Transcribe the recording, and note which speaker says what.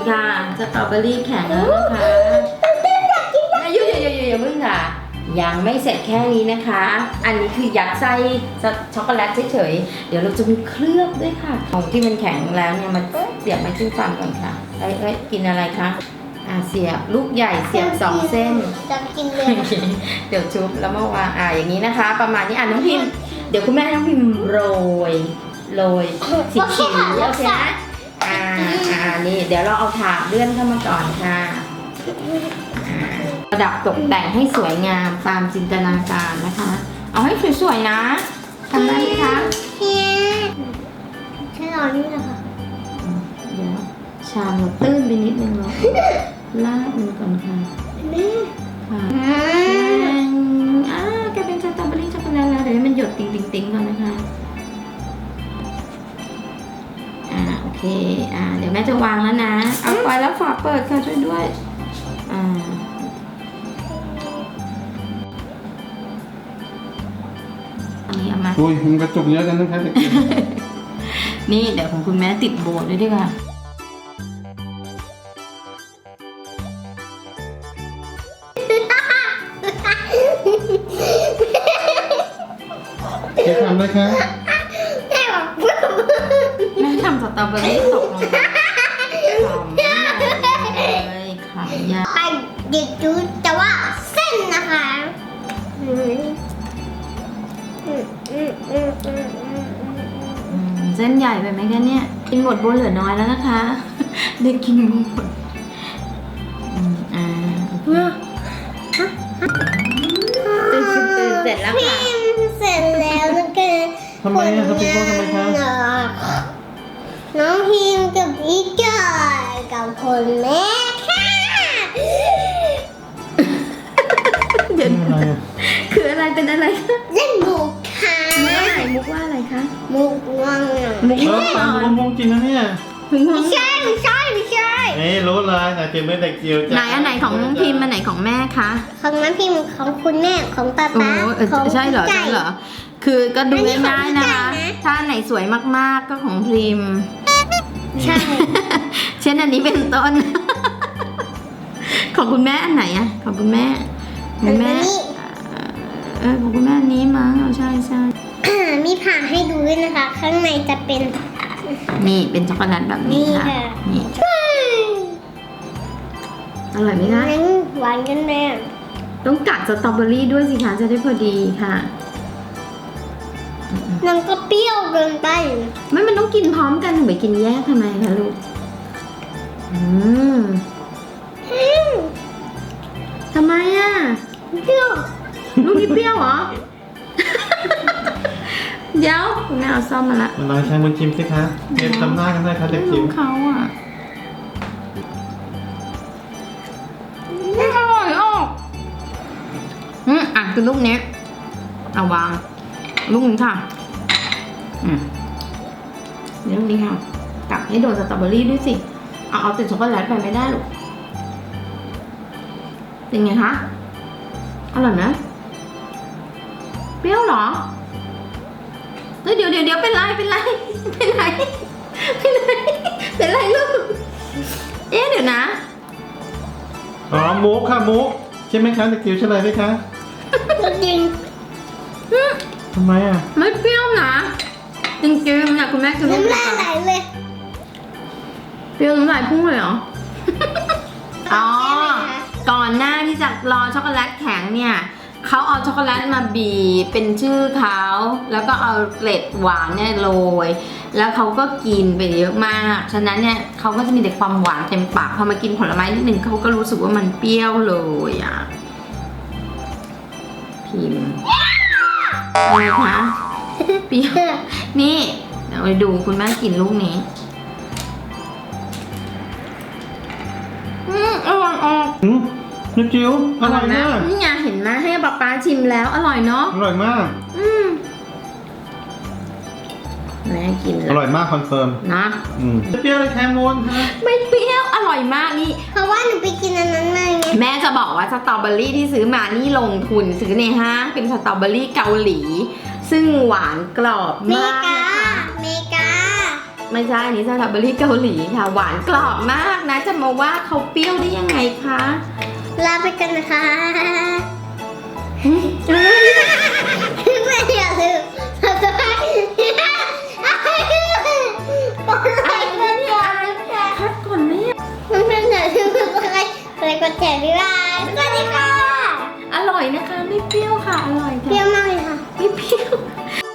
Speaker 1: ค่ะสตรอเบอรี่แข็งแล้วนะคะอย่าเพิ่งค่ะยังไม่เสร็จแค่นี้นะคะ อันนี้คือยัดไส้ช็อกโกแลตเฉยๆเดี๋ยวเราจะมีเคลือบด้วยค่ะของที่มันแข็งแล้วเนี่ยมันเสียบไม่ขึ้นฟันก่อนค่ะเอ้ยกินอะไรคะเสียบลูกใหญ่เสียบ2 เส้น
Speaker 2: จะกินเลย
Speaker 1: เดี๋ยวชุบแล้วมาวางอย่างนี้นะคะ ประมาณนี้น้องพิมพ์เดี๋ยวคุณแม่น้องพิมพ์โรยสีเขียวโอเคนะนี่เดี๋ยวเราเอาถาดเลื่อนเข้ามาก่อนค่ะประดับตกแต่งให้สวยงามตามจินตนาการนะคะ เอาให้สวยๆนะทำได้ไหมคะ
Speaker 2: ใช่หรอนี่นะคะ
Speaker 1: เดี๋ยวชามเราตื้นไปนิดนึงเนาะลาดมันก่อนค่ะค่ะกลายเป็นสตรอเบอรี่ช็อกโกแลตแล้วเดี๋ยวให้มันหยดติ๊งๆก่อนนะคะโอเคเดี๋ยวแม่จะวางแล้วนะเอาไว้แล้วฝาเปิดค่ะช่วยด้วยอันนี้เอามา
Speaker 3: อุ้ยมันกระจุกเยอะกันนะคะเด็ก
Speaker 1: นี่เดี๋ยวของคุณแม่ติดโบว์ด้วยดีกว่า
Speaker 3: จะทำอะไรคะ
Speaker 1: แม่ทำสตรอเบอรี่ตกลงไปเลยขายา
Speaker 2: เด็กจูแต่ว่าเส้นนะคะ
Speaker 1: เส้นใหญ่ไปไหมคะเนี่ยกินหมดโบเหลือน้อยแล้วนะคะเด็กกินหมดตื่นเสร็จแล้วค่ะ
Speaker 2: เสร็จแล้วนะคะ
Speaker 3: ทำไมสปิงโก้ทำไมคะ
Speaker 2: น้องพิมกับพี่จอยกับคนแม่ค่ะ
Speaker 1: เดี๋ยวคืออะไรเป็นอะไรคะ
Speaker 2: เล่นมุกค่ะ
Speaker 1: แม่มุกว่าอะไรคะ
Speaker 2: มุกง่วง
Speaker 3: มุกตามมุกจริงนะเนี่ย
Speaker 2: ไม่ใช่
Speaker 3: นี่รู้เลยแต่จิ๋วไม่เด็กจิ๋ว
Speaker 1: ไหนอันไหนของน้องพิมพ์อันไหนของแม่คะ
Speaker 2: ของน้องพิมของคุณแม่ของป้า
Speaker 1: ของใช่เหรอคือก็ดูง่ายๆนะคะถ้าไหนสวยมากๆก็ของพิมพ์
Speaker 2: ใช่
Speaker 1: เช่นอันนี้เป็นต้นของคุณแม่อันไหนอะของคุณแม่ของคุณแม่อันนี้มั้งใช่
Speaker 2: มีผ่าให้ดูด้วยนะคะข้างในจะเป็น
Speaker 1: นี่เป็นช็อกโกแลตแบบนี้ค่ะนี่อร่อยไหมคะ
Speaker 2: หวานกันแม่
Speaker 1: ต้องกัดสตรอเบอรี่ด้วยสิคะจะได้พอดีค่ะ
Speaker 2: มันก็เปรี้ยวเกินไป
Speaker 1: มันต้องกินพร้อมกันถึงไปกินแยกทำไมคะลูกทำไมอ่ะ
Speaker 2: เปรี้ยว
Speaker 1: ลูกนี่เปรี้ยวเหรอเดี๋ยวคุณแม่เอาซ่อมมาละ
Speaker 3: ลองใช้มือชิมสิคะเก็บทำหน้ากันได้ค่ะเด็กจิ๋ว
Speaker 1: เขาอ่ะไม่อร่อยคือลูกนี้เอาวางลูกนี้ค่ะนี่ลูกนี้ค่ะกัดให้โดนสตรอเบอรี่ด้วยสิเอาติดช็อกโกแลตไปไม่ได้หรอกเป็นไงคะอร่อยไหมเปรี้ยวเหรอเดี๋ยวเป็นไรลูกเดี๋ยวนะ
Speaker 3: มุกค่ะมุกใช่ไหมคะเด็กจิ๋วเฉลยไหมคะ
Speaker 2: จริง
Speaker 3: ทำไมอ่ะ
Speaker 1: ไม่เปรี้ยวนะจริงๆเนี่ยคุณแม่กิน
Speaker 2: น้ำลายไหลเลย
Speaker 1: เปรี้ยวน้ำลายพุ่งเลยเหรอก่อนหน้าที่จะรอช็อกโกแลตแข็งเนี่ยเขาเอาช็อกโกแลตมาบีบเป็นชื่อเขาแล้วก็เอาเกล็ดหวานเนี่ยโรยแล้วเขาก็กินไปเยอะมากฉะนั้นเนี่ยเขาก็จะมีแต่ความหวานเต็มปากพอมากินผลไม้นิดนึงเขาก็รู้สึกว่ามันเปรี้ยวเลยพิมพ์อะไรคะเปรี้ยวนี่เดี๋ยวไปดูคุณแม่กินลูกนี้อร่อย
Speaker 3: นิดจิ๋วอร่อยมาก
Speaker 1: นี่ไงเห็นไหมให้ป๊าชิมแล้วอร่อยเนาะ
Speaker 3: อร่อยมาก
Speaker 1: แม่กิน
Speaker 3: อร่อยมากคอนเฟิร์ม
Speaker 1: นะ
Speaker 3: เปรี้ยวเลยแคมูน
Speaker 1: ไม่เปรี้ยวอร่อยมากนี่
Speaker 2: เพราะว่าหนูไปกินอันนั้นมา
Speaker 1: แม่จะบอกว่าสตรอเบอรี่ที่ซื้อมานี่ลงทุนซื้อในห้างเป็นสตรอเบอรี่เกาหลีซึ่งหวานกรอบมากนะคะ
Speaker 2: เมกา
Speaker 1: ไม่ใช่อันนี้สตรอเบอรี่เกาหลีค่ะ หวานกรอบมากนะ จะมาว่าเขาเปรี้ยวได้ยังไงคะ
Speaker 2: ลาไปกันนะคะไม่อยากลืมสบายกดไลค์กดแชร์
Speaker 1: พักก่อนแม่
Speaker 2: มันเป็นอย่าลืมกดไลค์กดแชร์บ๊ายบายสวัสดีค่ะ
Speaker 1: อร่อยนะคะ ไม่เปรี้ยวค่ะ อร่อย
Speaker 2: เปรี้
Speaker 1: ค่ะ
Speaker 2: ยวมากเลยค่ะ
Speaker 1: ไม่เปรี้ยว